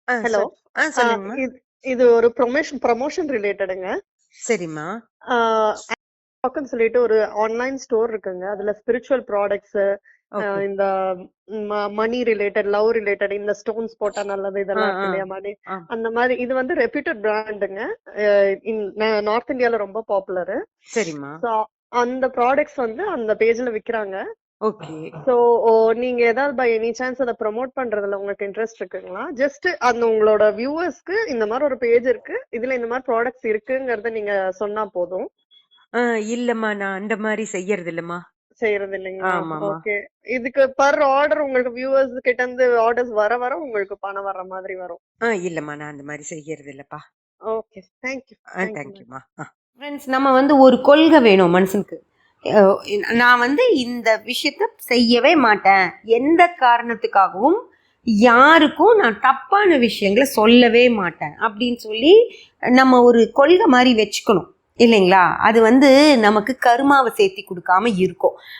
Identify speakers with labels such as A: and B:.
A: Hello.
B: சொல். சொல்லுங்கம்மா.
A: இது இது ஒரு ப்ரமோஷன் ரிலேட்டடுங்க.
B: சரிம்மா.
A: டாக்னு சொல்லிட்டு ஒரு ஆன்லைன் ஸ்டோர் இருக்குங்க. அதுல ஸ்பிரிச்சுவல் ப்ராடக்ட்ஸ்,
B: ஓகே.
A: இந்த மணி ரிலேட்டட், லவ் ரிலேட்டட், இந்த ஸ்டோன்ஸ் போட்டா நல்லது
B: ஆ,
A: இதெல்லாம் இருக்கு
B: ஆ,
A: இல்லையா, மணி.
B: ஆ.
A: அந்த மாதிரி இது வந்து ரெப்யூட்டட் பிராண்டுங்க. நார்த் இந்தியால ரொம்ப பாப்புலரு.
B: சரிம்மா.
A: ஸோ அந்த ப்ராடக்ட்ஸ் வந்து அந்த பேஜ்ல விக்கிறாங்க.
B: ஓகே.
A: ஸோ நீங்க ஏதாவது பை எனி சான்ஸ் அதை ப்ரமோட் பண்றதுல உங்களுக்கு இன்ட்ரெஸ்ட் இருக்குங்களா? ஜஸ்ட் அந்த உங்களோட வியூவர்ஸ்க்கு இந்த மாதிரி ஒரு பேஜ் இருக்கு, இதுல இந்த மாதிரி ப்ராடக்ட்ஸ் இருக்குங்கறத நீங்க சொன்னா போதும்.
B: இல்லம்மா, நான் அந்த மாதிரி செய்யறது இல்லம்மா.
A: செய்யறது இல்லைங்களா?
B: ஆமாம்மா.
A: ஓகே. இதுக்கு பர் ஆர்டர் உங்களுக்கு வியூவர்ஸ் கிட்ட இருந்து ஆர்டர்ஸ் வர வர உங்களுக்கு பணம் வர்ற மாதிரி வரும்.
B: இல்லம்மா, நான் அந்த மாதிரி செய்யறது இல்லப்பா.
A: Okay, thank you. Thank you ma'am.
B: தேங்க்யூம்மா. ஃப்ரெண்ட்ஸ், நம்ம வந்து ஒரு கொள்கை வேணும் மனுஷனுக்கு. அஹ் நான் வந்து இந்த விஷயத்த செய்யவே மாட்டேன், எந்த காரணத்துக்காகவும் யாருக்கும் நான் தப்பான விஷயங்களை சொல்லவே மாட்டேன் அப்படின்னு சொல்லி நம்ம ஒரு கொள்கை மாதிரி வச்சுக்கணும் இல்லைங்களா? அது வந்து நமக்கு கருமாவை சேர்த்தி கொடுக்காம இருக்கும்.